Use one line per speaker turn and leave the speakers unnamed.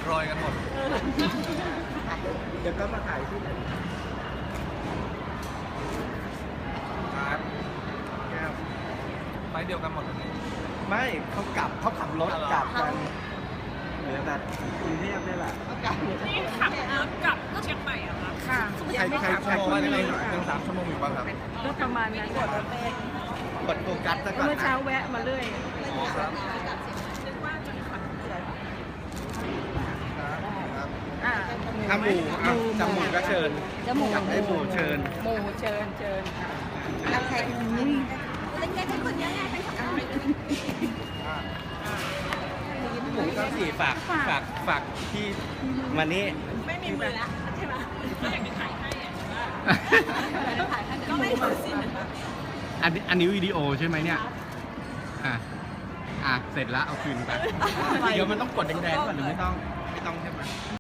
รอยกันหมด
เดี๋ยวก็มาถ่ายที่ไหน
ครับไปเดียวกันหมดเลย
ไม่เขาขับรถกลับกันเหลือแต่กรุงเทพนี่แหละ
นี่ขับรถกลับเชียงใหม่อะคะค่ะ
ใคร
ชั่วโมงว่ายัง3 ชั่วโมงอยู่ป่ะครับ
ก็ประมาณนั้นกด
กดโฟกัสซะก่อน
เมื่อ
นะ
เช้าแวะมาเรื่อย
อ๋อครับ
อ่า
หมูจมูกก็เชิญ
จมูก
อยากได้หมูเชิญ
หมูเชิญค่ะ
เราใส่เล็กๆให้คนเยอะไงเป็นของเรา
หมูก็สี่ฝากที่มานี่
ไม่มีมือละใช่ไหมก็อยากจะถ่ายให้อะก็ไม่มือสิ
อันนี้วิดีโอใช่ไหมเนี่ย เสร็จแล้วเอาคืนไป เดี๋ยวมันต้องกดแดงๆก่อนหรือไม่ต้อง
ไม่ต้องใช่ไหม